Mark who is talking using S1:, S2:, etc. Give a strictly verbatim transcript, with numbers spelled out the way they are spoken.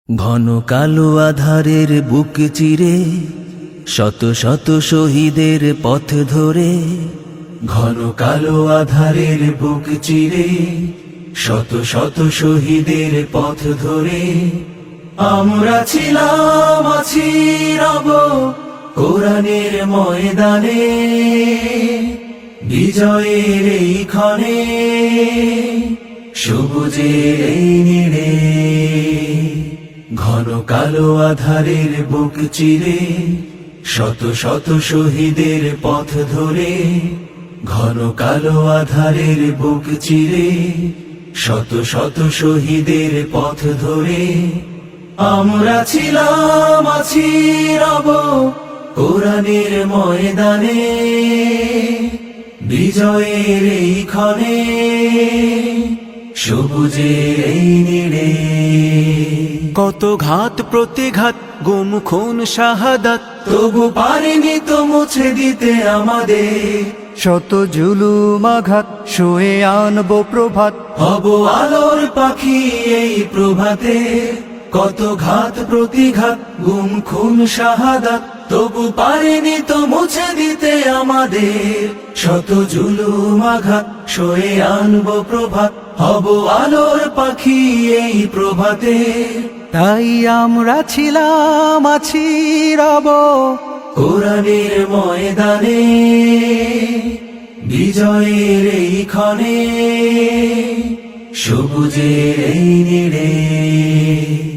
S1: ঘন কালো আধারের বুক চিরে শত শত শহীদের পথ ধরে, ঘন কালো আধারের বুক চিরে শত শত শহীদের পথ ধরে আমরা ছিলাম আছি রব কোরআনের ময়দানে, বিজয়ের এই ক্ষণে সবুজের এই নীড়ে। ঘন কালো আধারের বুক চিরে শত শত শহীদের পথ ধরে, ঘন কালো আধারের বুক চিরে শত শত শহীদের পথ ধরে আমরা ছিলাম আছি রব কোরআনের ময়দানে, বিজয়ের এই ক্ষণে সবুজের এই নীড়ে।
S2: কত ঘাত প্রতিঘাত গুম খুন শাহাদাত,
S1: তবু পারিনি তো মুছে দিতে আমাদের
S2: শত জুলুম আঘাত শুয়ে আনবো প্রভাত।
S1: হব আলোর পাখি এই প্রভাতে, কত ঘাত প্রতিঘাত গুম খুন শাহাদাত, তবু পারিনি তো মুছে দিতে আমাদের শত জুলুম আঘাত শুয়ে আনবো প্রভাত। হব আলোর পাখি এই প্রভাতে,
S2: তাই আমরা ছিলাম আছি রব
S1: কোরআনের ময়দানে, বিজয়ের এই ক্ষণে সবুজের এই নীড়ে।